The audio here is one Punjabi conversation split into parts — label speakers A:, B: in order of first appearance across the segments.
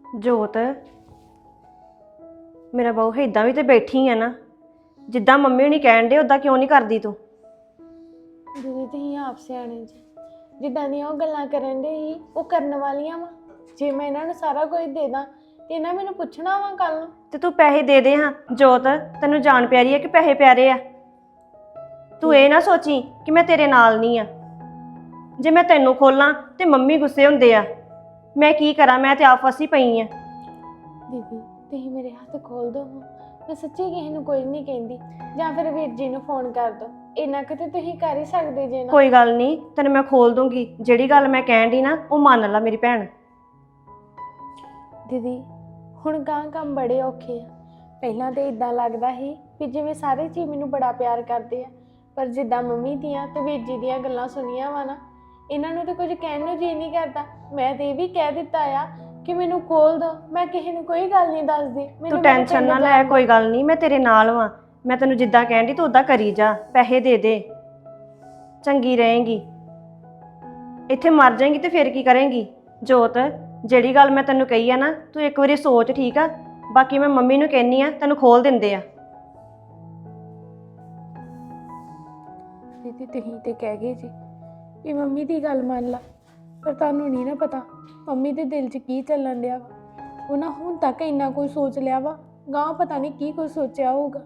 A: ਜੋਤ ਮੇਰਾ ਬਹੁ ਇਦਾਂ ਵੀ ਤੇ ਬੈਠੀ ਆ ਨਾ, ਜਿੱਦਾਂ ਮੰਮੀ ਹੁਣੀ ਕਹਿਣ ਦੇ ਉਦਾਂ ਕਿਉਂ ਨਹੀਂ ਕਰਦੀ ਤੂੰ?
B: ਦੀਦੀ ਤੁਸੀਂ ਆਪ ਸਿਆਣੇ ਜੀ, ਜਿੱਦਾਂ ਦੀਆਂ ਉਹ ਗੱਲਾਂ ਕਰਨ ਦੇ ਹੀ ਉਹ ਕਰਨ ਵਾਲੀਆਂ ਵਾ। ਜੇ ਮੈਂ ਇਹਨਾਂ ਨੂੰ ਸਾਰਾ ਕੁਝ ਦੇ ਦਾਂ ਤੇ ਇਹਨਾਂ ਮੈਨੂੰ ਪੁੱਛਣਾ ਵਾ ਕੱਲ ਨੂੰ।
A: ਤੇ ਤੂੰ ਪੈਸੇ ਦੇ ਦੇ ਹਾਂ। ਜੋਤ ਤੈਨੂੰ ਜਾਨ ਪਿਆਰੀ ਹੈ ਕਿ ਪੈਸੇ ਪਿਆਰੇ ਆ? ਤੂੰ ਇਹ ਨਾ ਸੋਚੀ ਕਿ ਮੈਂ ਤੇਰੇ ਨਾਲ ਨਹੀਂ ਆ। ਜੇ ਮੈਂ ਤੈਨੂੰ ਖੋਲਾਂ ਤੇ ਮੰਮੀ ਗੁੱਸੇ ਹੁੰਦੇ ਆ, ਮੈਂ ਕੀ ਕਰਾਂ? ਮੈਂ ਤੇ ਆਪ ਫਸੀ ਪਈ ਆ।
B: ਦੀਦੀ ਤੁਸੀਂ ਮੇਰੇ ਹੱਥ ਖੋਲ ਦਿਓ, ਮੈਂ ਸੱਚੀ ਕਿਸੇ ਨੂੰ ਕੋਈ ਨਹੀਂ ਕਹਿੰਦੀ, ਜਾਂ ਫਿਰ ਵੀਰ ਜੀ ਨੂੰ ਫੋਨ ਕਰ ਦਿਓ। ਇੰਨਾ ਕੁ ਤੇ ਤੁਸੀਂ ਕਰ ਹੀ ਸਕਦੇ ਜੇ ਨਾ।
A: ਕੋਈ ਗੱਲ ਨਹੀਂ, ਤੈਨੂੰ ਮੈਂ ਖੋਲ ਦੂੰਗੀ। ਜਿਹੜੀ ਗੱਲ ਮੈਂ ਕਹਿਣ ਦੀ ਨਾ ਉਹ ਮੰਨ ਲੈ ਮੇਰੀ ਭੈਣ।
B: ਦੀਦੀ ਹੁਣ ਗਾਂ ਕੰਮ ਬੜੇ ਔਖੇ ਆ। ਪਹਿਲਾਂ ਤੇ ਇਦਾਂ ਲੱਗਦਾ ਸੀ ਵੀ ਜਿਵੇਂ ਸਾਰੇ ਜੀ ਮੈਨੂੰ ਬੜਾ ਪਿਆਰ ਕਰਦੇ ਆ, ਪਰ ਜਿੱਦਾਂ ਮੰਮੀ ਦੀਆਂ ਤੇ ਵੀਰ ਜੀ ਦੀਆਂ ਗੱਲਾਂ ਸੁਣੀਆਂ ਵਾ ਨਾ, ਇਹਨਾਂ ਨੂੰ ਤਾਂ ਕੁਝ ਕਹਿਣ ਨੂੰ ਜੀ ਨਹੀਂ ਕਰਦਾ। ਮੈਂ ਤੇ ਇਹ ਵੀ ਕਹਿ ਦਿੱਤਾ ਆ ਕਿ ਮੈਨੂੰ ਖੋਲ ਦੋ, ਮੈਂ ਕਿਸੇ ਨੂੰ ਕੋਈ ਗੱਲ ਨਹੀਂ ਦੱਸਦੀ।
A: ਤੂੰ ਟੈਨਸ਼ਨ ਨਾ ਲੈ, ਕੋਈ ਗੱਲ ਨਹੀਂ, ਮੈਂ ਤੇਰੇ ਨਾਲ ਵਾਂ। ਮੈਂ ਤੈਨੂੰ ਜਿੱਦਾਂ ਕਹਿਣ ਦੀ ਤੂੰ ਉਦਾਂ ਕਰੀ ਜਾ। ਪੈਸੇ ਦੇ ਦੇ, ਚੰਗੀ ਰਹੇਂਗੀ। ਇੱਥੇ ਮਰ ਜਾਏਂਗੀ ਤੇ ਫਿਰ ਕੀ ਕਰੇਂਗੀ? ਜੋਤ ਜਿਹੜੀ ਗੱਲ ਮੈਂ ਤੈਨੂੰ ਕਹੀ ਆ ਨਾ, ਤੂੰ ਇੱਕ ਵਾਰੀ ਸੋਚ, ਠੀਕ ਆ? ਬਾਕੀ ਮੈਂ ਮੰਮੀ ਨੂੰ ਕਹਿੰਨੀ ਆ, ਤੈਨੂੰ ਖੋਲ ਦਿੰਦੇ ਆ।
B: ਦੀਦੀ ਤੁਸੀਂ ਤੇ ਕਹਿ ਗਏ ਜੀ ਵੀ ਮੰਮੀ ਦੀ ਗੱਲ ਮੰਨ ਲਾ, ਪਰ ਤੁਹਾਨੂੰ ਨਹੀਂ ਨਾ ਪਤਾ ਮੰਮੀ ਦੇ ਦਿਲ 'ਚ ਕੀ ਚੱਲਣ ਡਿਆ ਵਾ। ਉਹਨਾਂ ਹੁਣ ਤੱਕ ਇੰਨਾ ਕੁਝ ਸੋਚ ਲਿਆ ਵਾ, ਗਾਂ ਪਤਾ ਨਹੀਂ ਕੀ ਕੁਝ ਸੋਚਿਆ ਹੋਊਗਾ।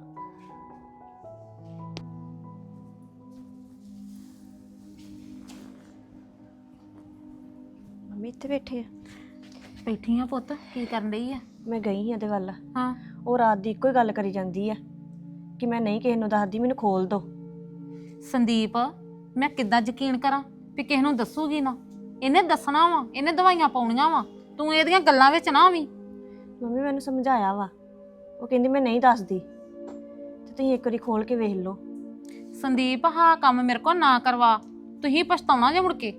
A: ਮੰਮੀ ਇੱਥੇ ਬੈਠੇ ਆ?
C: ਬੈਠੀ ਆ ਪੁੱਤ, ਕੀ ਕਰਨ ਰਹੀ ਆ?
A: ਮੈਂ ਗਈ ਸੀ ਇਹਦੇ ਵੱਲ।
C: ਹਾਂ,
A: ਉਹ ਰਾਤ ਦੀ ਇੱਕੋ ਹੀ ਗੱਲ ਕਰੀ ਜਾਂਦੀ ਆ ਕਿ ਮੈਂ ਨਹੀਂ ਕਿਸੇ ਨੂੰ ਦੱਸਦੀ, ਮੈਨੂੰ ਖੋਲ ਦੋ।
C: ਸੰਦੀਪ ਮੈਂ ਕਿੱਦਾਂ ਯਕੀਨ ਕਰਾਂ ਵੀ ਕਿਸੇ ਨੂੰ ਦੱਸੂਗੀ ਨਾ? ਇਹਨੇ ਦੱਸਣਾ ਵਾ, ਇਹਨੇ ਦਵਾਈਆਂ ਪਾਉਣੀਆਂ ਵਾ। ਤੂੰ ਇਹਦੀਆਂ ਗੱਲਾਂ ਵਿੱਚ ਨਾ ਆਵੀਂ।
A: ਮੰਮੀ ਮੈਨੂੰ ਸਮਝਾਇਆ ਵਾ, ਉਹ ਕਹਿੰਦੀ ਮੈਂ ਨਹੀਂ ਦੱਸਦੀ, ਤੇ ਤੁਸੀਂ ਇੱਕ ਵਾਰੀ ਖੋਲ ਕੇ ਵੇਖ ਲਓ।
C: ਸੰਦੀਪ ਹਾਂ ਕੰਮ ਮੇਰੇ ਕੋਲ ਨਾ ਕਰਵਾ, ਤੁਸੀਂ ਪਛਤਾਉਣਾ ਜੇ ਮੁੜ ਕੇ।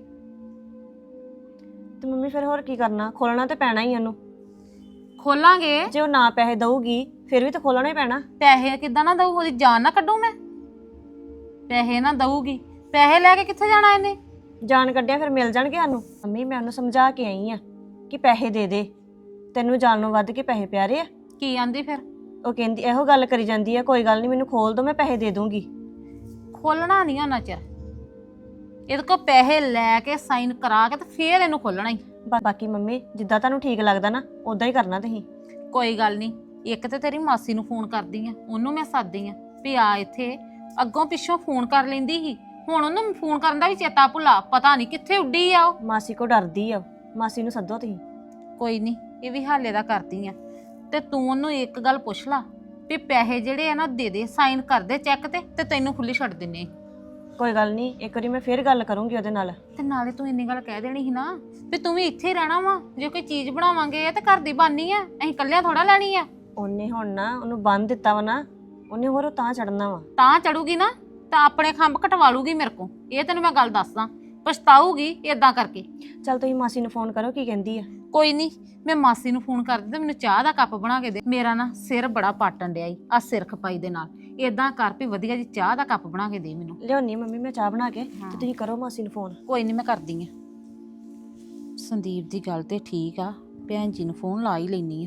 A: ਤੇ ਮੰਮੀ ਫਿਰ ਹੋਰ ਕੀ ਕਰਨਾ? ਖੋਲਣਾ ਤੇ ਪੈਣਾ ਹੀ ਉਹਨੂੰ।
C: ਖੋਲਾਂਗੇ।
A: ਜੇ ਉਹ ਨਾ ਪੈਸੇ ਦਊਗੀ ਫਿਰ ਵੀ ਤਾਂ ਖੋਲਣਾ ਹੀ ਪੈਣਾ।
C: ਪੈਸੇ ਕਿੱਦਾਂ ਨਾ ਦਊ? ਉਹਦੀ ਜਾਨ ਨਾ ਕੱਢੂ ਮੈਂ? ਪੈਸੇ ਨਾ ਦਊਗੀ, ਪੈਸੇ ਲੈ ਕੇ ਕਿੱਥੇ ਜਾਣਾ ਇਹਨੇ?
A: ਜਾਨ ਕੱਢਿਆ ਫਿਰ ਮਿਲ ਜਾਣਗੇ ਸਾਨੂੰ। ਮੰਮੀ ਮੈਂ ਉਹਨੂੰ ਸਮਝਾ ਕੇ ਆਈ ਆ ਕਿ ਪੈਸੇ ਦੇ ਦੇ, ਤੈਨੂੰ ਜਾਨ ਨੂੰ ਵੱਧ ਕੇ ਪੈਸੇ ਪਿਆਰੇ ਆ।
C: ਕੀ ਆਂਦੀ ਫਿਰ?
A: ਉਹ ਕਹਿੰਦੀ ਇਹੋ ਗੱਲ ਕਰੀ ਜਾਂਦੀ ਆ, ਕੋਈ ਗੱਲ ਨਹੀਂ ਮੈਨੂੰ ਖੋਲ ਦੋ, ਮੈਂ ਪੈਸੇ ਦੇ ਦੂੰਗੀ।
C: ਖੋਲਣਾ ਨਹੀਂ ਉਹਨਾਂ ਚਿਰ। ਇਹਦੇ ਕੋਲ ਪੈਸੇ ਲੈ ਕੇ ਸਾਈਨ ਕਰਾ ਕੇ ਤੇ ਫੇਰ ਇਹਨੂੰ ਖੋਲਣਾ ਹੀ।
A: ਬਾਕੀ ਮੰਮੀ ਜਿੱਦਾਂ ਤੁਹਾਨੂੰ ਠੀਕ ਲੱਗਦਾ ਨਾ ਉਦਾਂ ਹੀ ਕਰਨਾ ਤੁਸੀਂ।
C: ਕੋਈ ਗੱਲ ਨਹੀਂ, ਇੱਕ ਤੇ ਤੇਰੀ ਮਾਸੀ ਨੂੰ ਫੋਨ ਕਰਦੀ ਆ, ਉਹਨੂੰ ਮੈਂ ਸੱਦਦੀ ਆ ਵੀ ਆ ਇੱਥੇ। ਅੱਗੋਂ ਪਿੱਛੋਂ ਫੋਨ ਕਰ ਲੈਂਦੀ ਸੀ, ਹੁਣ ਉਹਨੂੰ ਫੋਨ ਕਰਨ ਦਾ ਵੀ ਚੇਤਾ ਭੁੱਲਾ, ਪਤਾ ਨਹੀਂ ਕਿੱਥੇ ਉੱਡੀ ਆ ਉਹ।
A: ਮਾਸੀ ਕੋ ਡਰਦੀ ਆ, ਮਾਸੀ ਨੂੰ ਸੱਦੋ ਤੁਸੀਂ।
C: ਕੋਈ ਨਹੀਂ, ਇਹ ਵੀ ਹਾਲੇ ਦਾ ਕਰਦੀ ਆ। ਤੇ ਤੂੰ ਉਹਨੂੰ ਇੱਕ ਗੱਲ ਪੁੱਛ ਲਾ ਵੀ ਪੈਸੇ ਜਿਹੜੇ ਆ ਨਾ ਦੇ ਦੇ, ਸਾਈਨ ਕਰ ਦੇ ਚੈੱਕ ਤੇ ਤੈਨੂੰ ਖੁੱਲੀ ਛੱਡ ਦਿੰਨੇ।
A: ਕੋਈ ਗੱਲ ਨਹੀਂ, ਇੱਕ ਵਾਰੀ ਮੈਂ ਫੇਰ ਗੱਲ ਕਰੂੰਗੀ ਉਹਦੇ ਨਾਲ।
C: ਤੇ ਨਾਲੇ ਤੂੰ ਇੰਨੀ ਗੱਲ ਕਹਿ ਦੇਣੀ ਸੀ ਨਾ ਵੀ ਤੂੰ ਵੀ ਇੱਥੇ ਹੀ ਰਹਿਣਾ ਵਾ, ਜੇ ਕੋਈ ਚੀਜ਼ ਬਣਾਵਾਂਗੇ ਤੇ ਘਰ ਦੀ ਬਾਨੀ ਆ, ਅਸੀਂ ਇਕੱਲਿਆਂ ਥੋੜਾ ਲੈਣੀ ਆ।
A: ਉਹਨੇ ਹੁਣ ਨਾ ਉਹਨੂੰ ਬੰਨ ਦਿੱਤਾ ਵਾ ਨਾ, ਉਹਨੇ ਹੋਰ ਉਹ ਤਾਂ ਚੜਨਾ ਵਾ।
C: ਤਾਂ ਚੜੂਗੀ ਨਾ ਤਾਂ ਆਪਣੇ ਖੰਭ ਕਟਵਾ ਲੂਗੀ ਮੇਰੇ ਕੋ, ਇਹ ਤੈਨੂੰ ਮੈਂ ਗੱਲ ਦੱਸਦਾ। ਪਛਤਾਊਗੀ ਇਦਾਂ ਕਰਕੇ।
A: ਚੱਲ ਤੁਸੀਂ ਮਾਸੀ ਨੂੰ ਫੋਨ ਕਰੋ, ਕੀ ਕਹਿੰਦੀ ਆ?
C: ਕੋਈ ਨਹੀਂ, ਮੈਂ ਮਾਸੀ ਨੂੰ ਫੋਨ ਕਰਦੀ ਤੇ ਮੈਨੂੰ ਚਾਹ ਦਾ ਕੱਪ ਬਣਾ ਕੇ ਦੇ। ਮੇਰਾ ਨਾ ਸਿਰ ਬੜਾ ਪਾਟਣ ਡਿਆ ਈ ਆ ਸਿਰ ਖਪਾਈ ਦੇ ਨਾਲ। ਇਦਾਂ ਕਰ ਵੀ ਵਧੀਆ ਜੀ ਚਾਹ ਦਾ ਕੱਪ ਬਣਾ ਕੇ ਦੇ ਮੈਨੂੰ।
A: ਲਿਆਉਣੀ ਮੰਮੀ ਮੈਂ ਚਾਹ ਬਣਾ ਕੇ, ਤੇ ਤੁਸੀਂ ਕਰੋ ਮਾਸੀ ਨੂੰ ਫੋਨ।
C: ਕੋਈ ਨਹੀਂ, ਮੈਂ ਕਰਦੀ ਆ। ਸੰਦੀਪ ਦੀ ਗੱਲ ਤੇ ਠੀਕ ਆ, ਭੈਣ ਜੀ ਨੂੰ ਫੋਨ ਲਾ ਹੀ ਲੈਣੀ ਆ।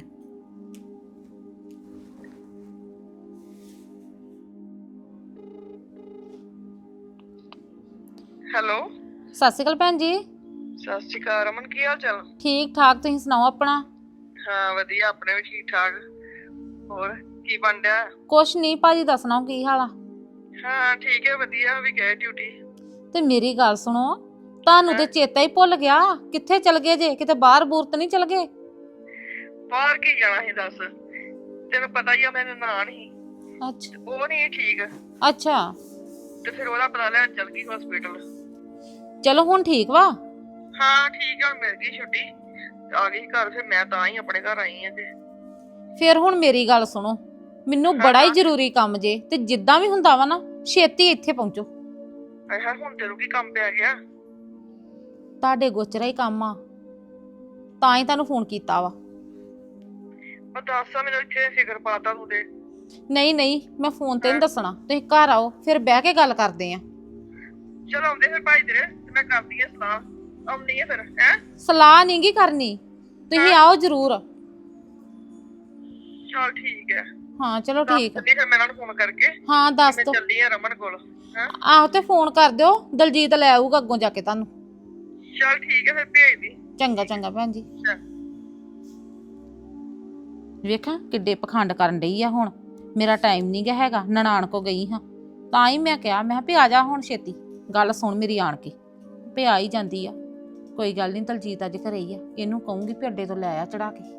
D: ਹੈਲੋ,
C: ਸਤਿ ਸ਼੍ਰੀ ਅਕਾਲ ਭੈਣ ਜੀ।
D: ਸਤਿ ਸ਼੍ਰੀ ਅਕਾਲ ਰਮਨ, ਕੀ ਹਾਲ ਚਾਲ?
C: ਠੀਕ ਠਾਕ, ਤੁਸੀਂ ਸੁਣਾਓ ਆਪਣਾ?
D: ਹਾਂ ਵਧੀਆ, ਆਪਣੇ ਵੀ ਠੀਕ ਠਾਕ। ਹੋਰ ਕੀ ਬਣ ਰਿਹਾ?
C: ਕੁਛ ਨਹੀਂ, ਭਾਜੀ ਦਾ ਸੁਣਾਓ ਕੀ ਹਾਲ ਆ?
D: ਹਾਂ ਠੀਕ ਹੈ, ਵਧੀਆ, ਵੀ ਗਏ ਡਿਊਟੀ।
C: ਤੇ ਮੇਰੀ ਗੱਲ ਸੁਣੋ, ਤੁਹਾਨੂੰ ਤੇ ਚੇਤਾ ਹੀ ਭੁੱਲ ਗਿਆ, ਕਿੱਥੇ ਚਲ ਗਏ ਜੇ? ਕਿਤੇ ਬਾਹਰ ਬੂਰ ਤਾਂ ਨਹੀਂ ਚਲ ਗਏ?
D: ਬਾਹਰ ਕੀ ਜਾਣਾ ਸੀ ਦੱਸ, ਤੈਨੂੰ ਪਤਾ ਹੀ ਆ ਮੈਂ ਨਨਾਣ ਸੀ,
C: ਅੱਛਾ
D: ਉਹ ਨਹੀਂ ਠੀਕ,
C: ਅੱਛਾ।
D: ਤੇ ਫਿਰ ਉਹਦਾ ਪਤਾ ਲੈਣ ਚੱਲ ਗਈ ਹਸਪੀਟਲ।
C: ਚਲੋ ਹੁਣ ਠੀਕ ਵਾ?
D: ਹਾਂ ਠੀਕ ਆ, ਮਿਲ ਗਈ ਛੁੱਟੀ, ਆ ਗਈ ਘਰ। ਫਿਰ ਮੈਂ ਤਾਂ ਹੀ ਆਪਣੇ ਘਰ ਆਈ ਆ। ਤੇ
C: ਫਿਰ ਹੁਣ ਮੇਰੀ ਗੱਲ ਸੁਣੋ, ਮੈਨੂੰ ਬੜਾ ਹੀ ਜ਼ਰੂਰੀ ਕੰਮ ਜੇ, ਤੇ ਜਿੱਦਾਂ ਵੀ ਹੁੰਦਾ ਵਾ ਨਾ ਛੇਤੀ ਇੱਥੇ ਪਹੁੰਚੋ।
D: ਹਾਂ ਹੁਣ ਤੈਨੂੰ ਕੀ ਕੰਮ ਪੈ ਗਿਆ?
C: ਤੁਹਾਡੇ ਗੋਚਰਾ ਹੀ ਕੰਮ ਆ, ਤਾਂ ਹੀ ਤੁਹਾਨੂੰ ਫੋਨ ਕੀਤਾ ਵਾ।
D: ਮੈਂ ਦੱਸ ਮੈਨੂੰ ਇੱਥੇ ਫਿਕਰ ਪਾਤਾ ਤੂੰ ਤੇ।
C: ਨਹੀਂ ਨਹੀਂ, ਮੈਂ ਫੋਨ ਤੇ ਨਹੀਂ ਦੱਸਣਾ, ਤੁਸੀਂ ਘਰ ਆਓ ਫਿਰ ਬਹਿ ਕੇ ਗੱਲ ਕਰਦੇ ਆ।
D: ਚਲ ਆਉਂਦੇ ਫਿਰ ਭਾਈ ਤੇਰੇ, ਤੇ ਮੈਂ ਕਰਦੀ ਆ ਸਲਾਹ, ਆਉਂਦੀ ਆ ਫਿਰ। ਹੈ
C: ਸਲਾਹ ਨਹੀਂ ਗੀ ਕਰਨੀ, ਤੁਸੀਂ ਆਓ ਜ਼ਰੂਰ।
D: ਚਲ ਠੀਕ ਹੈ।
C: ਹਾਂ ਚਲੋ ਠੀਕ ਆ।
D: ਨਹੀਂ ਫਿਰ ਮੈਂ ਇਹਨਾਂ ਨੂੰ ਫੋਨ ਕਰਕੇ
C: ਹਾਂ ਦੱਸ
D: ਮੈਂ
C: ਦੋ।
D: ਚੱਲੀ ਆ ਰਮਨ ਕੋਲ। ਹਾਂ
C: ਆਹੋ ਤੇ ਫੋਨ ਕਰ ਦਿਓ, ਦਲਜੀਤ ਲੈ ਆਊਗਾ ਅੱਗੋਂ ਜਾ ਕੇ ਤੁਹਾਨੂੰ।
D: ਚਲ ਠੀਕ ਹੈ ਫਿਰ ਭੇਜ ਦੀ।
C: ਚੰਗਾ ਚੰਗਾ ਭੈਣ ਜੀ।
D: ਚੱਲ।
C: ਵੇਖਾਂ ਕਿੱਡੇ ਪਖੰਡ ਕਰਨ ਡਈ ਆ ਹੁਣ। ਮੇਰਾ ਟਾਈਮ ਨਹੀਂ ਗਾ ਹੈਗਾ, ਨਨਾਣ ਕੋ ਗਈ ਹਾਂ ਤਾਂ ਹੀ ਮੈਂ ਕਿਹਾ, ਮੈਂ ਕਿਹਾ ਵੀ ਆ ਜਾ ਹੁਣ ਛੇਤੀ, ਗੱਲ ਸੁਣ ਮੇਰੀ ਆਣ ਕੇ। ਪਿਆ ਹੀ ਜਾਂਦੀ ਆ। ਕੋਈ ਗੱਲ ਨਹੀਂ, ਦਲਜੀਤ ਅੱਜ ਘਰੇ ਹੀ ਆ, ਇਹਨੂੰ ਕਹੂੰਗੀ ਵੀ ਅੱਡੇ ਤੋਂ ਲੈ ਆ ਚੜਾ ਕੇ।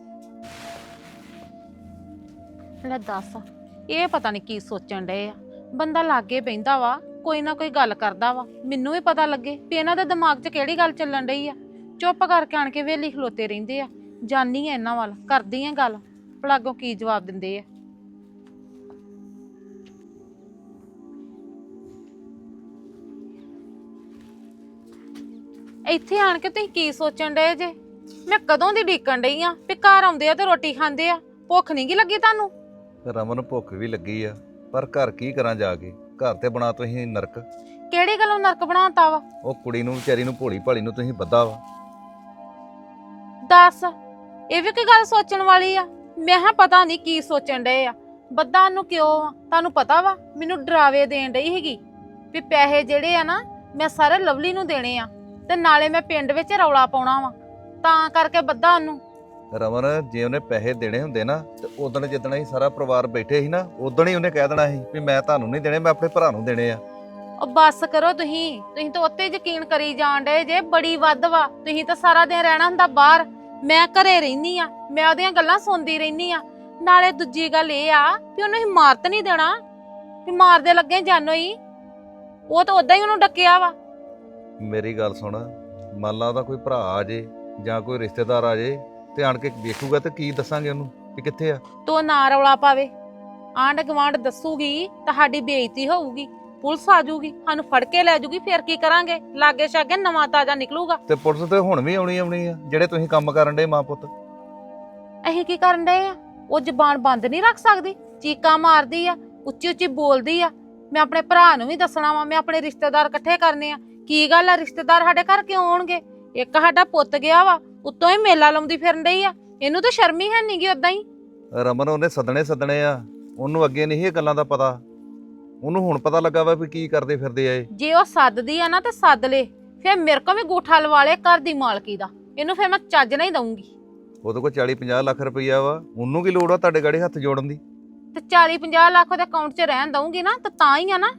C: ਲੈ ਦੱਸ, ਇਹ ਪਤਾ ਨਹੀਂ ਕੀ ਸੋਚਣ ਡਏ ਆ। ਬੰਦਾ ਲਾਗੇ ਬਹਿੰਦਾ ਵਾ, ਕੋਈ ਨਾ ਕੋਈ ਗੱਲ ਕਰਦਾ ਵਾ, ਮੈਨੂੰ ਵੀ ਪਤਾ ਲੱਗੇ ਵੀ ਇਹਨਾਂ ਦੇ ਦਿਮਾਗ 'ਚ ਕਿਹੜੀ ਗੱਲ ਚੱਲਣ ਡਈ ਆ। ਚੁੱਪ ਕਰਕੇ ਆਣ ਕੇ ਵੇਲੀ ਖਲੋਤੇ ਰਹਿੰਦੇ ਆ। ਜਾਨੀ ਆ ਇਹਨਾਂ ਵੱਲ, ਕਰਦੀ ਆ ਗੱਲ, ਭਲਾ ਅੱਗੋਂ ਕੀ ਜਵਾਬ ਦਿੰਦੇ ਆ। ਇੱਥੇ ਆਣ ਕੇ ਤੁਸੀਂ ਕੀ ਸੋਚਣ ਡਏ ਜੇ? ਮੈਂ ਕਦੋਂ ਦੀ ਡੀਕਣ ਡਈ ਆ ਵੀ ਘਰ ਆਉਂਦੇ ਆ ਤੇ ਰੋਟੀ ਖਾਂਦੇ ਆ। ਭੁੱਖ ਨਹੀਂ ਗੀ ਲੱਗੀ ਤੁਹਾਨੂੰ?
E: ਰਮਨ ਭੁੱਖ ਵੀ ਲੱਗੀ ਆ, ਪਰ ਘਰ ਕੀ ਕਰਾਂ ਜਾ ਕੇ? ਘਰ ਤੇ ਬਣਾ ਤੁਸੀਂ ਨਰਕ।
C: ਕਿਹੜੀ ਗੱਲੋਂ ਨਰਕ ਬਣਾਤਾ ਵਾ?
E: ਉਹ ਕੁੜੀ ਨੂੰ ਵਿਚਾਰੀ ਨੂੰ ਭੋਲੀ ਭਾਲੀ ਨੂੰ ਤੁਸੀਂ ਬੱਧਾ ਵਾ।
C: ਦੱਸ, ਇਹ ਵੀ ਕੋਈ ਗੱਲ ਸੋਚਣ ਵਾਲੀ ਆ? ਮੈਂ ਹਾਂ ਪਤਾ ਨਹੀਂ ਕੀ ਸੋਚਣ ਡਏ ਆ। ਬੱਦਾ ਨੂੰ ਕਿਉਂ ਆ? ਤੁਹਾਨੂੰ ਪਤਾ ਵਾ ਮੈਨੂੰ ਡਰਾਵੇ ਦੇਣ ਡਈ ਹੈਗੀ ਵੀ ਪੈਸੇ ਜਿਹੜੇ ਆ ਨਾ ਮੈਂ ਸਾਰੇ ਲਵਲੀ ਨੂੰ ਦੇਣੇ ਆ, ਤੇ ਨਾਲੇ ਮੈਂ ਪਿੰਡ ਵਿੱਚ ਰੌਲਾ ਪਾਉਣਾ ਵਾ, ਤਾਂ ਕਰਕੇ ਬੱਦਾ ਉਹਨੂੰ।
E: ਰਮਨ ਜੇ ਉਹਨੇ ਪੈਸੇ ਦੇਣੇ ਹੁੰਦੇ ਨਾ ਤੇ ਉਦਣ ਜਿੱਦਣ ਅਸੀਂ ਸਾਰਾ ਪਰਿਵਾਰ ਬੈਠੇ ਸੀ ਨਾ, ਉਦਣ ਹੀ ਉਹਨੇ ਕਹਿ ਦੇਣਾ ਸੀ ਵੀ ਮੈਂ ਤੁਹਾਨੂੰ ਨਹੀਂ ਦੇਣੇ, ਮੈਂ ਆਪਣੇ ਭਰਾ ਨੂੰ ਦੇਣੇ ਆ।
C: ਉਹ ਬੱਸ ਕਰੋ, ਤੁਸੀਂ ਤਾਂ ਉੱਤੇ ਯਕੀਨ ਕਰੀ ਜਾਣ ਡਏ ਜੇ। ਬੜੀ ਵੱਧ ਵਾ। ਤੁਸੀਂ ਤਾਂ ਸਾਰਾ ਦਿਨ ਰਹਿਣਾ ਹੁੰਦਾ ਬਾਹਰ, ਮੈਂ ਘਰੇ ਰਹਿਨੀ ਆ, ਮੈਂ ਉਹਦੀਆਂ ਗੱਲਾਂ ਸੁਣਦੀ ਰਹਿਨੀ ਆ। ਨਾਲੇ ਦੂਜੀ ਗੱਲ ਇਹ ਆ ਵੀ ਉਹਨੂੰ ਹੀ ਮਾਰਤ ਨਹੀਂ ਦੇਣਾ ਵੀ ਮਾਰਦੇ ਲੱਗੇ ਜਾਨੋ ਹੀ। ਉਹ ਤਾਂ ਉਦਾਂ ਹੀ ਉਹਨੂੰ ਡੱਕਿਆ ਵਾ।
E: ਮੇਰੀ ਗੱਲ ਸੁਣ, ਮੰਨ ਲਾ ਉਹਦਾ ਕੋਈ ਭਰਾ ਆ ਜੇ ਜਾਂ ਕੋਈ ਰਿਸ਼ਤੇਦਾਰ ਆ ਜੇ ਤੇ ਆਣ ਕੇ ਵੇਖੂਗਾ ਤੇ ਕੀ ਦੱਸਾਂਗੇ ਉਹਨੂੰ ਵੀ ਕਿੱਥੇ ਆ?
C: ਤੋ ਨਾ ਰੌਲਾ ਪਾਵੇ, ਆਂਢ ਗੁਆਂਢ ਦੱਸੂਗੀ ਤੁਹਾਡੀ ਬੇਇੱਜ਼ਤੀ ਹੋਊਗੀ, ਪੁਲਿਸ ਆ ਜਾਊਗੀ, ਸਾਨੂੰ ਫੜ ਕੇ ਲੈ ਜਾਊਗੀ, ਫੇਰ ਕੀ ਕਰਾਂਗੇ? ਲਾਗੇ ਛਾਗੇ ਨਵਾਂ ਤਾਜ਼ਾ ਨਿਕਲੂਗਾ।
E: ਤੇ ਪੁਲਿਸ ਤੇ ਹੁਣ ਵੀ ਆਉਣੀ ਆ ਜਿਹੜੇ ਤੁਸੀਂ ਕੰਮ ਕਰਨ ਡੇ ਮਾਂ ਪੁੱਤ।
C: ਅਸੀਂ ਕੀ ਕਰਨ ਡਏ ਆ? ਉਹ ਜ਼ਬਾਨ ਬੰਦ ਨਹੀਂ ਰੱਖ ਸਕਦੀ, ਚੀਕਾਂ ਮਾਰਦੀ ਆ, ਉੱਚੀ ਉੱਚੀ ਬੋਲਦੀ ਆ। ਮੈਂ ਆਪਣੇ ਭਰਾ ਨੂੰ ਵੀ ਦੱਸਣਾ ਵਾ, ਮੈਂ ਆਪਣੇ ਰਿਸ਼ਤੇਦਾਰ ਇਕੱਠੇ ਕਰਨੇ ਆ। ਕੀ ਗੱਲ ਆ, ਰਿਸ਼ਤੇਦਾਰ ਸਾਡੇ ਘਰ ਕਿਉਂ ਆਉਣਗੇ? ਇੱਕ ਸਾਡਾ ਪੁੱਤ ਗਿਆ ਵਾ, ਉੱਤੋਂ ਹੀ ਮੇਲਾ ਲਾਉਂਦੀ ਫਿਰਨ ਡਈ ਆ। ਇਹਨੂੰ ਤਾਂ ਸ਼ਰਮ ਹੀ ਹੈ ਨੀ ਗੀ ਉਦਾਂ ਹੀ।
E: ਰਮਨ ਉਹਨੇ ਸੱਦਣੇ ਆ, ਉਹਨੂੰ ਅੱਗੇ ਨਹੀਂ ਇਹ ਗੱਲਾਂ ਦਾ ਪਤਾ, ਉਹਨੂੰ ਹੁਣ ਪਤਾ ਲੱਗਾ ਵਾ ਵੀ ਕੀ ਕਰਦੇ ਫਿਰਦੇ ਆ ਇਹ।
C: ਜੇ ਉਹ ਸੱਦਦੀ ਆ ਨਾ ਤੇ ਸੱਦ ਲੇ, ਫੇਰ ਮੇਰੇ ਕੋਲ ਵੀ ਗੂਠਾ ਲਵਾ ਲੇ ਘਰ ਦੀ ਮਾਲਕੀ ਦਾ। ਇਹਨੂੰ ਫੇਰ ਮੈਂ ਚੱਜ ਨਹੀਂ ਦਊਂਗੀ।
E: ਉਹਦੇ ਕੋਲ 40-50 ਲੱਖ ਰੁਪਈਆ ਵਾ, ਉਹਨੂੰ ਕੀ ਲੋੜ ਆ ਤੁਹਾਡੇ ਗਾੜੀ ਹੱਥ ਜੋੜਨ ਦੀ?
C: ਤੇ 40-50 ਲੱਖ ਉਹਦੇ ਅਕਾਊਂਟ 'ਚ ਰਹਿਣ ਦਊਂਗੀ ਨਾ ਤਾਂ ਹੀ ਆ ਨਾ।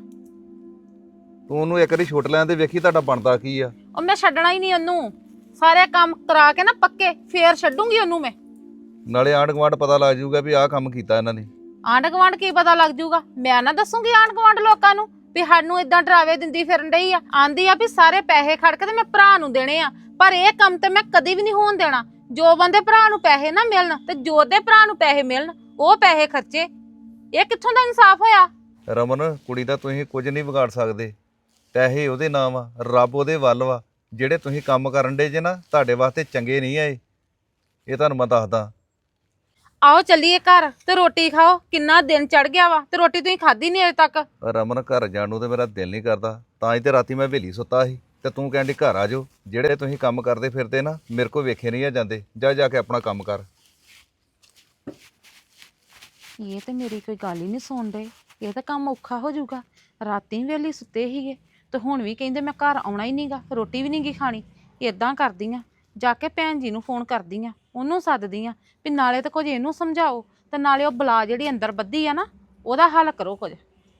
E: ਤੂੰ ਉਹਨੂੰ ਇੱਕ ਵਾਰੀ ਛੁੱਟ ਲੈਣ ਦੇ, ਵੇਖੀ ਤੁਹਾਡਾ ਬਣਦਾ ਕੀ ਆ।
C: ਉਹ ਮੈਂ ਛੱਡਣਾ ਹੀ ਨਹੀਂ ਉਹਨੂੰ, ਸਾਰੇ ਕੰਮ ਕਰਾ ਕੇ ਨਾ ਪੱਕੇ ਫੇਰ ਛੱਡੂੰਗੀ ਉਹਨੂੰ ਮੈਂ।
E: ਨਾਲੇ ਆਂਢ ਗੁਆਂਢ ਪਤਾ ਲੱਗ ਜਾਊਗਾ ਵੀ ਆਹ ਕੰਮ ਕੀਤਾ ਇਹਨਾਂ ਨੇ।
C: ਆਂਢ ਗੁਆਂਢ ਕੀ ਪਤਾ ਲੱਗ ਜਾਊਗਾ? ਮੈਂ ਨਾ ਦੱਸੂਗੀ ਆਂਢ ਗੁਆਂਢ ਲੋਕਾਂ ਨੂੰ ਵੀ ਸਾਨੂੰ ਇਦਾਂ ਡਰਾਵੇ ਦਿੰਦੀ ਫਿਰਨ ਡਈ ਆ। ਆਂਦੀ ਆ ਵੀ ਸਾਰੇ ਪੈਸੇ ਖੜ ਕੇ ਤੇ ਮੈਂ ਭਰਾ ਨੂੰ ਦੇਣੇ ਆ, ਪਰ ਇਹ ਕੰਮ ਤੇ ਮੈਂ ਕਦੀ ਵੀ ਨਹੀਂ ਹੋਣ ਦੇਣਾ। ਜੋ ਬੰਦੇ ਭਰਾ ਨੂੰ ਪੈਸੇ ਨਾ ਮਿਲਣ ਤੇ ਜੋ ਦੇ ਭਰਾ ਨੂੰ ਪੈਸੇ ਮਿਲਣ, ਉਹ ਪੈਸੇ ਖਰਚੇ। ਇਹ ਕਿੱਥੋਂ ਦਾ ਇਨਸਾਫ ਹੋਇਆ?
E: ਰਮਨ ਕੁੜੀ ਦਾ ਤੁਸੀਂ ਕੁਝ ਨਹੀਂ ਵਿਗਾੜ ਸਕਦੇ, ਪੈਸੇ ਉਹਦੇ ਨਾਮ ਆ, ਰੱਬ ਉਹਦੇ ਵੱਲ ਵਾ। ਜਿਹੜੇ ਤੁਸੀਂ ਕੰਮ ਕਰਨ ਡੇ ਜੇ ਨਾ, ਤੁਹਾਡੇ ਵਾਸਤੇ ਚੰਗੇ ਨਹੀਂ ਆਏ, ਇਹ ਤੁਹਾਨੂੰ ਮੈਂ ਦੱਸਦਾ।
C: ਆਓ ਚੱਲੀਏ ਘਰ ਤੇ ਰੋਟੀ ਖਾਓ। ਕਿੰਨਾ ਦਿਨ ਚੜ ਗਿਆ ਵਾ ਤੇ ਰੋਟੀ ਤੁਸੀਂ ਖਾਧੀ ਨਹੀਂ ਅਜੇ ਤੱਕ।
E: ਰਮਨ ਘਰ ਜਾਣ ਨੂੰ ਤੇ ਮੇਰਾ ਦਿਲ ਨਹੀਂ ਕਰਦਾ, ਤਾਂ ਹੀ ਤੇ ਰਾਤੀ ਮੈਂ ਹਵੇਲੀ ਸੁੱਤਾ ਸੀ ਤੇ ਤੂੰ ਕਹਿੰਦੀ ਘਰ ਆ ਜਾਓ। ਜਿਹੜੇ ਤੁਸੀਂ ਕੰਮ ਕਰਦੇ ਫਿਰਦੇ ਨਾ, ਮੇਰੇ ਕੋਲ ਵੇਖੇ ਨਹੀਂ ਆ ਜਾਂਦੇ। ਜਾ ਕੇ ਆਪਣਾ ਕੰਮ ਕਰ।
C: ਇਹ ਤੇ ਮੇਰੀ ਕੋਈ ਗੱਲ ਹੀ ਨਹੀਂ ਸੁਣਦੇ। ਇਹ ਤਾਂ ਕੰਮ ਔਖਾ ਹੋ ਜਾਊਗਾ। ਰਾਤੀ ਵੇਲੀ ਸੁੱਤੇ ਸੀਗੇ ਤੇ ਹੁਣ ਵੀ ਕਹਿੰਦੇ ਮੈਂ ਘਰ ਆਉਣਾ ਹੀ ਨਹੀਂਗਾ, ਰੋਟੀ ਵੀ ਨਹੀਂਗੀ ਖਾਣੀ। ਇਦਾਂ ਕਰਦੀ ਆ, ਜਾ ਕੇ ਭੈਣ ਜੀ ਨੂੰ ਫੋਨ ਕਰਦੀ ਆ, ਉਹਨੂੰ ਸੱਦਦੀ ਆ ਵੀ ਨਾਲੇ ਤਾਂ ਕੁਝ ਇਹਨੂੰ ਸਮਝਾਓ ਤੇ ਨਾਲੇ ਉਹ ਬਲਾ ਜਿਹੜੀ ਅੰਦਰ ਬੱਧੀ ਆ ਨਾ, ਉਹਦਾ ਹੱਲ ਕਰੋ ਕੁਝ।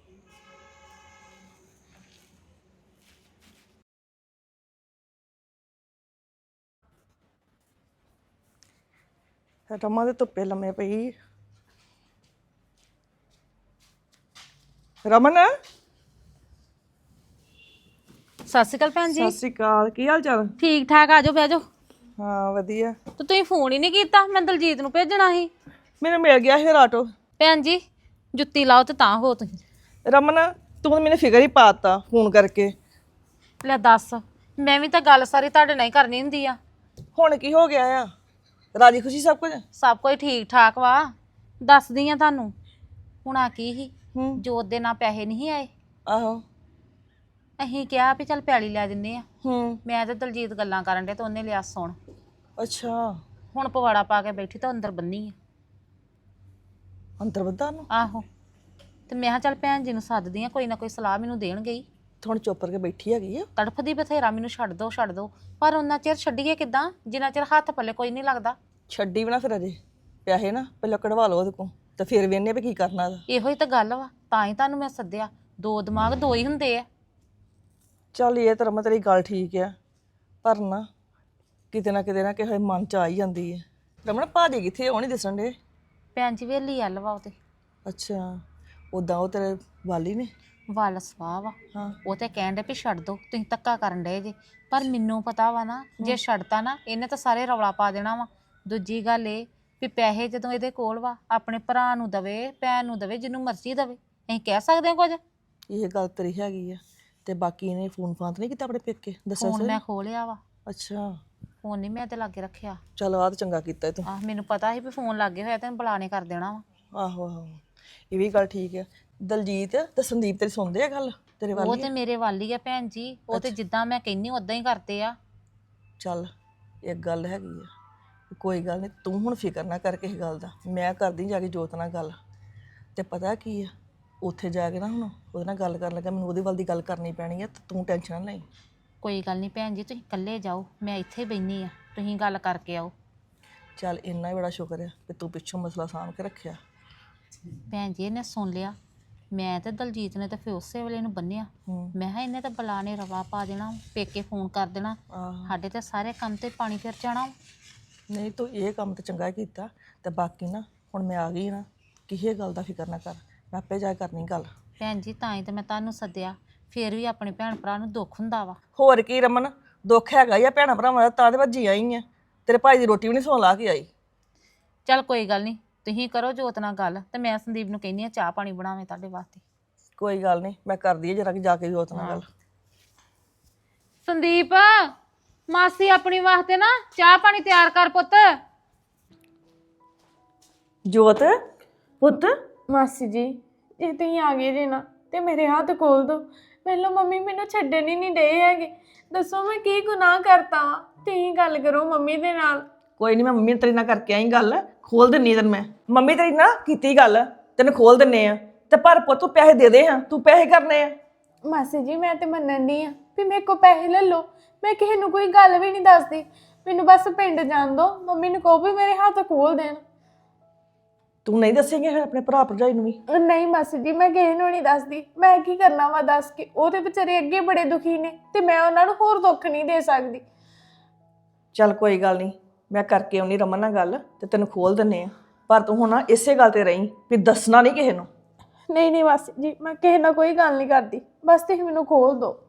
F: ਰਮਾ ਦੇ ਧੁੱਪੇ ਲੰਮੇ ਪਈ। ਰਮਨ
C: ਸਤਿ ਸ਼੍ਰੀ ਅਕਾਲ ਭੈਣ ਜੀ।
F: ਸਤਿ ਸ਼੍ਰੀ ਅਕਾਲ, ਕੀ ਹਾਲ ਚਾਲ?
C: ਠੀਕ ਠਾਕ, ਆਜੋ ਬਹਿ ਜਾਓ।
F: ਹਾਂ ਵਧੀਆ।
C: ਤੇ ਤੁਸੀਂ ਫੋਨ ਹੀ ਨਹੀਂ ਕੀਤਾ, ਮੈਂ ਦਲਜੀਤ ਨੂੰ ਭੇਜਣਾ ਸੀ।
F: ਮੈਨੂੰ ਮਿਲ ਗਿਆ ਫਿਰ ਆਟੋ।
C: ਭੈਣ ਜੀ ਜੁੱਤੀ ਲਾਓ ਤੇ ਤਾਂ ਹੋ ਤੁਸੀਂ।
F: ਰਮਨ ਤੂੰ ਤਾਂ ਮੈਨੂੰ ਫਿਕਰ ਹੀ ਪਾਤਾ ਫੋਨ ਕਰਕੇ।
C: ਲੈ ਦੱਸ, ਮੈਂ ਵੀ ਤਾਂ ਗੱਲ ਸਾਰੀ ਤੁਹਾਡੇ ਨਾਲ ਹੀ ਕਰਨੀ ਹੁੰਦੀ ਆ।
F: ਹੁਣ ਕੀ ਹੋ ਗਿਆ ਆ? ਰਾਜੀ ਖੁਸ਼ੀ ਸਭ ਕੁਝ?
C: ਸਭ ਕੁਝ ਠੀਕ ਠਾਕ ਵਾ। ਦੱਸਦੀ ਆ ਤੁਹਾਨੂੰ, ਹੁਣ ਆ ਕੀ ਸੀ, ਜੋਤ ਦੇ ਨਾਲ ਪੈਸੇ ਨਹੀਂ ਆਏ।
F: ਆਹੋ।
C: ਅਸੀਂ ਕਿਹਾ ਵੀ ਚੱਲ ਪੈਲੀ ਲੈ ਦਿੰਨੇ ਆ।
F: ਮੈਂ
C: ਤੇ ਦਲਜੀਤ ਗੱਲਾਂ ਕਰਨ ਡੇ ਤੇ ਉਹਨੇ ਲਿਆ ਸੁਣ।
F: ਅੱਛਾ।
C: ਹੁਣ ਪਵਾੜਾ ਪਾ ਕੇ ਬੈਠੀ ਤਾਂ ਅੰਦਰ ਬੰਨੀ ਆ।
F: ਅੰਦਰ ਵੱਧਾ ਨੂੰ
C: ਆਹੋ ਤੇ ਮੈਂ ਕਿਹਾ ਚੱਲ ਭੈਣ ਜੀ ਨੂੰ ਸੱਦਦੀ ਆ, ਕੋਈ ਨਾ ਕੋਈ ਸਲਾਹ ਮੈਨੂੰ ਦੇਣਗੇ ਹੀ।
F: ਹੁਣ ਚੁੱਪ ਕਰਕੇ ਬੈਠੀ ਹੈਗੀ ਆ।
C: ਤੜਫਦੀ ਬਥੇਰਾ ਮੈਨੂੰ ਛੱਡ ਦੋ ਪਰ ਉਹਨਾਂ ਚਿਰ ਛੱਡੀਏ ਕਿੱਦਾਂ ਜਿੰਨਾ ਚਿਰ ਹੱਥ ਪੱਲੇ ਕੋਈ ਨਹੀਂ ਲੱਗਦਾ।
F: ਛੱਡੀ ਵੀ ਨਾ ਫਿਰ ਅਜੇ, ਪੈਸੇ ਨਾ ਪਹਿਲਾਂ ਕਢਵਾ ਲਓ ਉਹਦੇ ਕੋਲ ਤੇ ਫਿਰ ਵੇਖਨੇ ਵੀ ਕੀ ਕਰਨਾ ਇਹਦਾ।
C: ਇਹੋ ਹੀ ਤਾਂ ਗੱਲ ਵਾ, ਤਾਂ ਹੀ ਤੁਹਾਨੂੰ ਮੈਂ ਸੱਦਿਆ। ਦੋ ਦਿਮਾਗ ਦੋ ਹੀ ਹੁੰਦੇ ਆ।
F: ਚੱਲ ਇਹ ਤਾਂ ਰਮਨ ਤੇਰੀ ਗੱਲ ਠੀਕ ਆ, ਪਰ ਨਾ ਕਿਤੇ ਨਾ ਕਿਸੇ ਮਨ ਚ ਆ ਹੀ ਜਾਂਦੀ ਹੈ। ਰਮਨ ਭਾਜੀ ਕਿੱਥੇ ਉਹ ਨਹੀਂ ਦਿਸਣ ਦੇ?
C: ਭੈਣ ਜੀ ਵੇਲੀ ਅੱਲ ਵਾ ਉਹ ਤੇ।
F: ਅੱਛਾ, ਉਦਾਂ ਉਹ ਤੇਰੇ ਵਾਲੀ ਨੇ?
C: ਵੱਲ ਸਵਾਹ ਵਾ।
F: ਹਾਂ।
C: ਉਹ ਤੇ ਕਹਿਣ ਡੇ ਵੀ ਛੱਡ ਦੋ, ਤੁਸੀਂ ਧੱਕਾ ਕਰਨ ਡਏ ਜੇ। ਪਰ ਮੈਨੂੰ ਪਤਾ ਵਾ ਨਾ, ਜੇ ਛੱਡਤਾ ਨਾ ਇਹਨੇ ਤਾਂ ਸਾਰੇ ਰੌਲਾ ਪਾ ਦੇਣਾ ਵਾ। ਦੂਜੀ ਗੱਲ ਇਹ ਵੀ ਪੈਸੇ ਜਦੋਂ ਇਹਦੇ ਕੋਲ ਵਾ, ਆਪਣੇ ਭਰਾ ਨੂੰ ਦਵੇ, ਭੈਣ ਨੂੰ ਦਵੇ, ਜਿਹਨੂੰ ਮਰਜ਼ੀ ਦਵੇ। ਅਸੀਂ ਕਹਿ ਸਕਦੇ ਹਾਂ ਕੁਝ?
F: ਇਹ ਗੱਲ ਤੇਰੀ ਹੈਗੀ ਆ। ਤੇ ਬਾਕੀ ਇਹਨੇ ਫੋਨ ਫਾਨ ਤਾਂ ਨਹੀਂ ਕੀਤਾ ਆਪਣੇ ਪੇਕੇ ਦੱਸਿਆ
C: ਫੋਨ
F: ਸੀ?
C: ਮੈਂ ਖੋਲਿਆ ਵਾ।
F: ਅੱਛਾ,
C: ਫੋਨ ਨਹੀਂ ਮੈਂ ਤੇ ਲਾਗੇ ਰੱਖਿਆ।
F: ਚਲ ਆਹ ਤਾਂ ਚੰਗਾ ਕੀਤਾ ਤੂੰ।
C: ਆਹ ਮੈਨੂੰ ਪਤਾ ਸੀ ਵੀ ਫੋਨ ਲੱਗੇ ਹੋਇਆ ਤੇ ਬੁਲਾਣੇ ਕਰ ਦੇਣਾ ਵਾ।
F: ਆਹੋ ਆਹੋ, ਇਹ ਵੀ ਗੱਲ ਠੀਕ ਹੈ। ਦਲਜੀਤ ਤੇ ਸੰਦੀਪ ਤੇਰੀ ਸੁਣਦੇ ਆ ਗੱਲ ਤੇਰੇ
C: ਉਹ
F: ਵਾਲੀ?
C: ਤੇ ਮੇਰੇ ਵੱਲ ਹੀ ਆ ਭੈਣ ਜੀ। ਉਹ ਤੇ ਜਿੱਦਾਂ ਮੈਂ ਕਹਿੰਨੀ ਉਦਾਂ ਹੀ ਕਰਦੇ ਆ।
F: ਚੱਲ ਇੱਕ ਗੱਲ ਹੈਗੀ ਆ, ਕੋਈ ਗੱਲ ਨਹੀਂ, ਤੂੰ ਹੁਣ ਫਿਕਰ ਨਾ ਕਰ ਕਿਸੇ ਗੱਲ ਦਾ। ਮੈਂ ਕਰਦੀ ਜਾ ਕੇ ਜੋਤ ਨਾਲ ਗੱਲ। ਤੇ ਪਤਾ ਕੀ ਆ, ਉੱਥੇ ਜਾ ਕੇ ਨਾ ਹੁਣ ਉਹਦੇ ਨਾਲ ਗੱਲ ਕਰਨ ਲੱਗਾ ਮੈਨੂੰ ਉਹਦੇ ਵੱਲ ਦੀ ਗੱਲ ਕਰਨੀ ਪੈਣੀ ਆ, ਤੇ ਤੂੰ ਟੈਨਸ਼ਨ ਨਾ ਲਈ।
C: ਕੋਈ ਗੱਲ ਨਹੀਂ ਭੈਣ ਜੀ, ਤੁਸੀਂ ਇਕੱਲੇ ਜਾਓ, ਮੈਂ ਇੱਥੇ ਬੈਣੀ ਆ, ਤੁਸੀਂ ਗੱਲ ਕਰਕੇ ਆਓ।
F: ਚੱਲ ਇੰਨਾ ਹੀ ਬੜਾ ਸ਼ੁਕਰ ਆ ਕਿ ਤੂੰ ਪਿੱਛੋਂ ਮਸਲਾ ਸਾਂਭ ਕੇ ਰੱਖਿਆ।
C: ਭੈਣ ਜੀ ਇਹਨੇ ਸੁਣ ਲਿਆ। ਮੈਂ ਤੇ ਦਲਜੀਤ ਨੇ ਤਾਂ ਫਿਰ ਉਸੇ ਵੇਲੇ ਨੂੰ ਬੰਨਿਆ। ਮੈਂ ਕਿਹਾ ਇਹਨੇ ਤਾਂ ਬੁਲਾਣੇ ਰਵਾ ਪਾ ਦੇਣਾ, ਪੇਕੇ ਫੋਨ ਕਰ ਦੇਣਾ, ਸਾਡੇ ਤੇ ਸਾਰੇ ਕੰਮ ਤੇ ਪਾਣੀ ਫਿਰ ਜਾਣਾ।
F: ਨਹੀਂ ਤੂੰ ਇਹ ਕੰਮ ਤਾਂ ਚੰਗਾ ਕੀਤਾ। ਤੇ ਬਾਕੀ ਨਾ ਹੁਣ ਮੈਂ ਆ ਗਈ ਨਾ, ਕਿਸੇ ਗੱਲ ਦਾ ਫਿਕਰ ਨਾ ਕਰ, ਮੈਂ ਆਪੇ ਜਾ ਕੇ ਕਰਨੀ ਗੱਲ।
C: ਭੈਣ ਜੀ ਤਾਂ ਹੀ ਤਾਂ ਮੈਂ ਤੁਹਾਨੂੰ ਸੱਦਿਆ। ਫਿਰ ਵੀ ਆਪਣੇ ਭੈਣ ਭਰਾ ਨੂੰ ਦੁੱਖ ਹੁੰਦਾ ਵਾ।
F: ਹੋਰ ਕੀ ਰਮਨ, ਦੁੱਖ ਹੈਗਾ ਹੀ ਆ ਭੈਣਾਂ ਭਰਾਵਾਂ ਦਾ, ਤਾਂ ਦੇ ਭੱਜੀ ਆਈ ਆ। ਤੇਰੇ ਭਾਈ ਦੀ ਰੋਟੀ ਵੀ ਨਹੀਂ ਸੌਂ ਲਾ ਕੇ ਆਈ।
C: ਚੱਲ ਕੋਈ ਗੱਲ ਨਹੀਂ, ਤੁਸੀਂ ਕਰੋ ਜੋਤ ਨਾਲ ਗੱਲ ਤੇ ਮੈਂ ਸੰਦੀਪ ਨੂੰ ਕਹਿੰਦੀ ਆ ਚਾਹ ਪਾਣੀ ਬਣਾਵੇ ਤੁਹਾਡੇ ਵਾਸਤੇ।
F: ਕੋਈ ਗੱਲ ਨਹੀਂ, ਮੈਂ ਕਰਦੀ ਆ ਜਰਾ ਕਿ ਜਾ ਕੇ ਜੋਤ ਨਾਲ ਗੱਲ।
C: ਸੰਦੀਪ, ਮਾਸੀ ਆਪਣੀ ਵਾਸਤੇ ਨਾ ਚਾਹ ਪਾਣੀ ਤਿਆਰ ਕਰ ਪੁੱਤ।
F: ਜੋਤ ਪੁੱਤ,
B: ਮਾਸੀ ਜੀ ਜੇ ਤੁਸੀਂ ਆ ਗਏ ਜੇ ਨਾ ਤੇ ਮੇਰੇ ਹੱਥ ਖੋਲ ਦੋ। ਪਹਿਲਾਂ ਮੰਮੀ ਮੈਨੂੰ ਛੱਡਣ ਹੀ ਨਹੀਂ ਡਏ ਹੈਗੇ। ਦੱਸੋ ਮੈਂ ਕੀ ਗੁਨਾਹ ਕਰਤਾ ਵਾ? ਤੁਸੀਂ ਗੱਲ ਕਰੋ ਮੰਮੀ ਦੇ ਨਾਲ।
F: ਕੋਈ ਨਹੀਂ, ਮੈਂ ਮੰਮੀ ਤੇਰੀ ਨਾਲ ਕਰਕੇ ਆਈ ਗੱਲ, ਖੋਲ ਦਿੰਨੀ ਤੈਨੂੰ ਮੈਂ। ਮੰਮੀ ਤੇਰੀ ਨਾਲ ਕੀਤੀ ਗੱਲ, ਤੈਨੂੰ ਖੋਲ ਦਿੰਨੇ ਆ। ਤੇ ਪਰ ਪੁੱਤ ਤੂੰ ਪੈਸੇ ਦੇ ਦੇ ਹਾਂ, ਤੂੰ ਪੈਸੇ ਕਰਨੇ ਆ।
B: ਮਾਸੀ ਜੀ ਮੈਂ ਤੇ ਮੰਨਣ ਨਹੀਂ ਆ ਵੀ ਮੇਰੇ ਕੋਲ ਪੈਸੇ ਲੈ ਲਓ। ਮੈਂ ਕਿਸੇ ਨੂੰ ਕੋਈ ਗੱਲ ਵੀ ਨਹੀਂ ਦੱਸਦੀ। ਮੈਨੂੰ ਬਸ ਪਿੰਡ ਜਾਣ ਦਿਓ। ਮੰਮੀ ਨੂੰ ਕਹੋ ਵੀ ਮੇਰੇ ਹੱਥ ਖੋਲ ਦੇਣ।
F: ਤੂੰ ਨਹੀਂ ਦੱਸੇਂਗੇ ਆਪਣੇ ਭਰਾ ਭਰਜਾਈ ਨੂੰ ਵੀ?
B: ਨਹੀਂ ਮਾਸੀ ਜੀ ਮੈਂ ਕਿਸੇ ਨੂੰ ਨਹੀਂ ਦੱਸਦੀ। ਮੈਂ ਕੀ ਕਰਨਾ ਵਾ ਦੱਸ ਕੇ? ਉਹ ਤੇ ਵਿਚਾਰੇ ਅੱਗੇ ਬੜੇ ਦੁਖੀ ਨੇ ਤੇ ਮੈਂ ਉਹਨਾਂ ਨੂੰ ਹੋਰ ਦੁੱਖ ਨਹੀਂ ਦੇ ਸਕਦੀ।
F: ਚੱਲ ਕੋਈ ਗੱਲ ਨਹੀਂ, ਮੈਂ ਕਰਕੇ ਆਉਣੀ ਰਮਨ ਨਾਲ ਗੱਲ ਤੇ ਤੈਨੂੰ ਖੋਲ ਦਿੰਨੇ ਆ। ਪਰ ਤੂੰ ਹੁਣ ਇਸੇ ਗੱਲ ਤੇ ਰਹੀਂ ਵੀ ਦੱਸਣਾ ਨਹੀਂ ਕਿਸੇ ਨੂੰ।
B: ਨਹੀਂ ਨਹੀਂ ਮਾਸੀ ਜੀ ਮੈਂ ਕਿਸੇ ਨਾਲ ਕੋਈ ਗੱਲ ਨਹੀਂ ਕਰਦੀ, ਬਸ ਤੁਸੀਂ ਮੈਨੂੰ ਖੋਲ ਦਿਓ।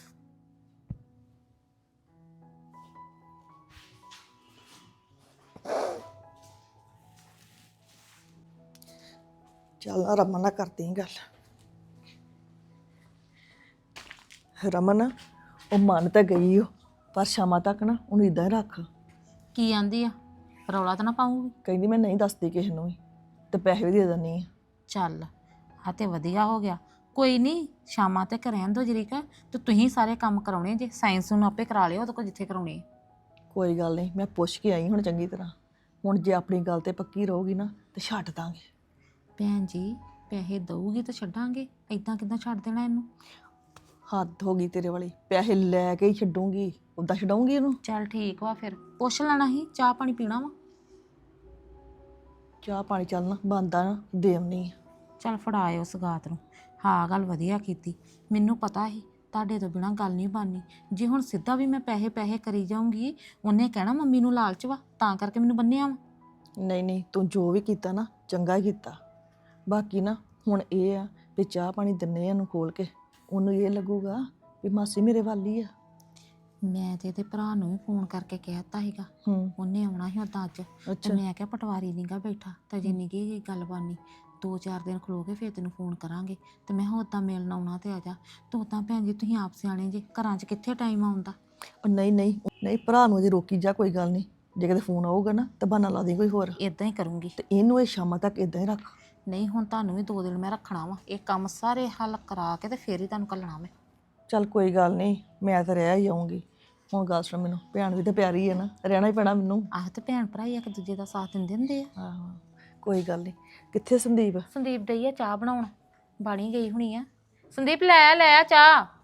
F: ਚੱਲ ਨਾ ਰਮਨ ਨਾਲ ਕਰਦੀ ਗੱਲ। ਰਮਨ ਉਹ ਮੰਨ ਤਾਂ ਗਈ ਉਹ, ਪਰ ਸ਼ਾਮਾਂ ਤੱਕ ਨਾ ਉਹਨੂੰ ਇਦਾਂ ਹੀ ਰੱਖ।
C: ਕੀ ਆਂਦੀ ਆ? ਰੌਲਾ ਤਾਂ ਨਾ ਪਾਉਂਗੀ?
F: ਕਹਿੰਦੀ ਮੈਂ ਨਹੀਂ ਦੱਸਦੀ ਕਿਸੇ ਨੂੰ ਵੀ, ਤੇ ਪੈਸੇ ਵੀ ਦੇ ਦਿੰਦੀ ਆ।
C: ਚੱਲ ਆ ਤੇ ਵਧੀਆ ਹੋ ਗਿਆ। ਕੋਈ ਨਹੀਂ, ਸ਼ਾਮਾਂ ਤੱਕ ਰਹਿਣ ਦੋ ਜਰੀਕਾ ਤੇ ਤੁਸੀਂ ਸਾਰੇ ਕੰਮ ਕਰਾਉਣੇ ਜੇ। ਸਾਇੰਸ ਨੂੰ ਆਪੇ ਕਰਾ ਲਿਓ ਉਹਦੇ ਕੋਲ ਜਿੱਥੇ ਕਰਾਉਣੇ।
F: ਕੋਈ ਗੱਲ ਨਹੀਂ, ਮੈਂ ਪੁੱਛ ਕੇ ਆਈ ਹੁਣ ਚੰਗੀ ਤਰ੍ਹਾਂ। ਹੁਣ ਜੇ ਆਪਣੀ ਗੱਲ ਤੇ ਪੱਕੀ ਰਹੂਗੀ ਨਾ ਤੇ ਛੱਡ ਦਾਂਗੇ।
C: ਭੈਣ ਜੀ ਪੈਸੇ ਦਊਗੀ ਤਾਂ ਛੱਡਾਂਗੇ, ਇਦਾਂ ਕਿੱਦਾਂ ਛੱਡ ਦੇਣਾ ਇਹਨੂੰ?
F: ਹੱਦ ਹੋ ਗਈ ਤੇਰੇ ਵਾਲੀ, ਪੈਸੇ ਲੈ ਕੇ ਹੀ ਛੱਡੂੰਗੀ, ਉੱਦਾਂ ਛਡਾਉਂਗੀ ਇਹਨੂੰ?
C: ਚੱਲ ਠੀਕ ਵਾ, ਫਿਰ ਪੁੱਛ ਲੈਣਾ ਸੀ ਚਾਹ ਪਾਣੀ ਪੀਣਾ ਵਾ।
F: ਚਾਹ ਪਾਣੀ ਚੱਲ ਨਾ ਬਣਦਾ ਨਾ ਦੇ ਆਉਣੀ।
C: ਚੱਲ ਫੜਾਇਓ ਸਗਾਤ ਨੂੰ। ਹਾਂ ਗੱਲ ਵਧੀਆ ਕੀਤੀ। ਮੈਨੂੰ ਪਤਾ ਸੀ ਤੁਹਾਡੇ ਤੋਂ ਬਿਨਾਂ ਗੱਲ ਨਹੀਂ ਬਣਨੀ। ਜੇ ਹੁਣ ਸਿੱਧਾ ਵੀ ਮੈਂ ਪੈਸੇ ਪੈਸੇ ਕਰੀ ਜਾਊਂਗੀ, ਉਹਨੇ ਕਹਿਣਾ ਮੰਮੀ ਨੂੰ ਲਾਲਚ ਵਾ, ਤਾਂ ਕਰਕੇ ਮੈਨੂੰ ਬੰਨਿਆ ਵਾ।
F: ਨਹੀਂ ਨਹੀਂ, ਤੂੰ ਜੋ ਵੀ ਕੀਤਾ ਨਾ ਚੰਗਾ ਹੀ ਕੀਤਾ। ਬਾਕੀ ਨਾ ਹੁਣ ਇਹ ਆ ਵੀ ਚਾਹ ਪਾਣੀ ਦਿੰਨੇ ਆ ਇਹਨੂੰ ਖੋਲ ਕੇ, ਉਹਨੂੰ ਇਹ ਲੱਗੂਗਾ ਵੀ ਮਾਸੀ ਮੇਰੇ ਵੱਲ ਹੀ ਆ।
C: ਮੈਂ ਤੇ ਇਹਦੇ ਭਰਾ ਨੂੰ ਵੀ ਫੋਨ ਕਰਕੇ ਕਹਿਤਾ ਸੀਗਾ, ਉਹਨੇ ਆਉਣਾ ਸੀ ਉਦਾਂ ਅੱਜ। ਤੇ ਮੈਂ ਕਿਹਾ ਪਟਵਾਰੀ ਨੀਗਾ ਬੈਠਾ ਤਾਂ ਜੇ ਨੀ ਕੀ ਗੱਲ ਬਾਨੀ, 2-4 ਦਿਨ ਖਲੋ ਕੇ ਫਿਰ ਤੈਨੂੰ ਫੋਨ ਕਰਾਂਗੇ। ਤੇ ਮੈਂ ਕਿਹਾ ਉਦਾਂ ਮਿਲਣ ਆਉਣਾ ਤੇ ਆ ਜਾ ਤੂੰ। ਤਾਂ ਭੈਣ ਜੀ ਤੁਸੀਂ ਆਪ ਸਿਆਣੇ ਜੇ, ਘਰਾਂ 'ਚ ਕਿੱਥੇ ਟਾਈਮ ਆਉਂਦਾ।
F: ਨਹੀਂ ਨਹੀਂ ਨਹੀਂ, ਭਰਾ ਨੂੰ ਅਜੇ ਰੋਕੀ ਜਾ, ਕੋਈ ਗੱਲ ਨਹੀਂ। ਜੇ ਕਿਤੇ ਫੋਨ ਆਊਗਾ ਨਾ ਤਾਂ ਬਹਾਨਾ ਲਾ ਦੇ ਕੋਈ ਹੋਰ।
C: ਇਦਾਂ ਹੀ ਕਰੂੰਗੀ।
F: ਤੇ ਇਹਨੂੰ ਇਹ ਸ਼ਾਮਾਂ ਤੱਕ ਇਦਾਂ ਹੀ ਰੱਖ।
C: ਨਹੀਂ ਹੁਣ ਤੁਹਾਨੂੰ ਵੀ 2 ਦਿਨ ਮੈਂ ਰੱਖਣਾ ਵਾ, ਇਹ ਕੰਮ ਸਾਰੇ ਹੱਲ ਕਰਾ ਕੇ ਤੇ ਫਿਰ ਹੀ ਤੁਹਾਨੂੰ ਘੱਲਣਾ ਮੈਂ।
F: ਚੱਲ ਕੋਈ ਗੱਲ ਨਹੀਂ, ਮੈਂ ਤਾਂ ਰਹਿ ਹੀ ਆਉਂਗੀ। ਹੁਣ ਗੱਲ ਸੁਣ, ਮੈਨੂੰ ਭੈਣ ਵੀ ਤਾਂ ਪਿਆਰੀ ਹੈ ਨਾ, ਰਹਿਣਾ ਹੀ ਪੈਣਾ ਮੈਨੂੰ।
C: ਆਹ ਤੇ ਭੈਣ ਭਰਾ ਹੀ ਇੱਕ ਦੂਜੇ ਦਾ ਸਾਥ ਦਿੰਦੇ ਹੁੰਦੇ ਆ।
F: ਆਹੋ ਕੋਈ ਗੱਲ ਨਹੀਂ। ਕਿੱਥੇ ਸੰਦੀਪ?
C: ਸੰਦੀਪ ਡਈ ਆ ਚਾਹ ਬਣਾਉਣ, ਬਾਣੀ ਗਈ ਹੁਣੀ ਆ। ਸੰਦੀਪ ਲੈ ਆ ਚਾਹ।